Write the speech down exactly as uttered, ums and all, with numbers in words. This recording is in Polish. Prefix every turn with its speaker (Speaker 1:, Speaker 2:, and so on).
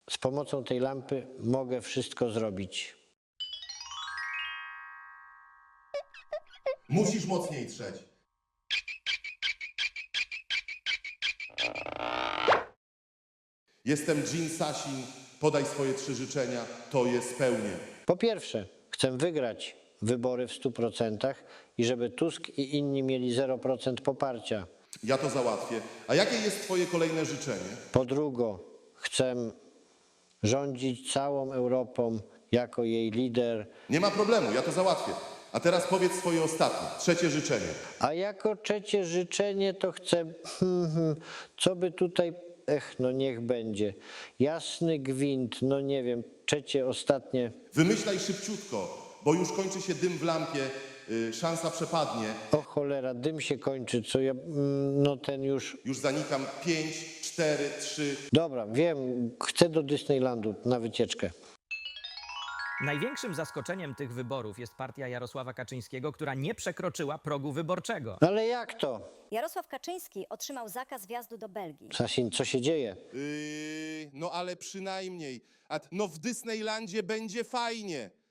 Speaker 1: Z pomocą tej lampy mogę wszystko zrobić.
Speaker 2: Musisz mocniej trzeć. Jestem Jin Sasin, podaj swoje trzy życzenia, to je spełnię.
Speaker 1: Po pierwsze, chcę wygrać wybory w stu procentach i żeby Tusk i inni mieli zero procent poparcia.
Speaker 2: Ja to załatwię. A jakie jest twoje kolejne życzenie?
Speaker 1: Po drugie, chcę rządzić całą Europą jako jej lider.
Speaker 2: Nie ma problemu, ja to załatwię. A teraz powiedz swoje ostatnie, trzecie życzenie.
Speaker 1: A jako trzecie życzenie to chcę, hmm, hmm, co by tutaj, ech, no niech będzie. Jasny gwint, no nie wiem, trzecie, ostatnie.
Speaker 2: Wymyślaj szybciutko, bo już kończy się dym w lampie, yy, szansa przepadnie.
Speaker 1: O cholera, dym się kończy, co ja, mm, no ten już.
Speaker 2: Już zanikam. Pięć, cztery, trzy.
Speaker 1: Dobra, wiem, chcę do Disneylandu na wycieczkę.
Speaker 3: Największym zaskoczeniem tych wyborów jest partia Jarosława Kaczyńskiego, która nie przekroczyła progu wyborczego.
Speaker 1: Ale jak to?
Speaker 4: Jarosław Kaczyński otrzymał zakaz wjazdu do Belgii.
Speaker 1: Sasin, co się dzieje?
Speaker 2: Yy, no ale przynajmniej. A, no w Disneylandzie będzie fajnie.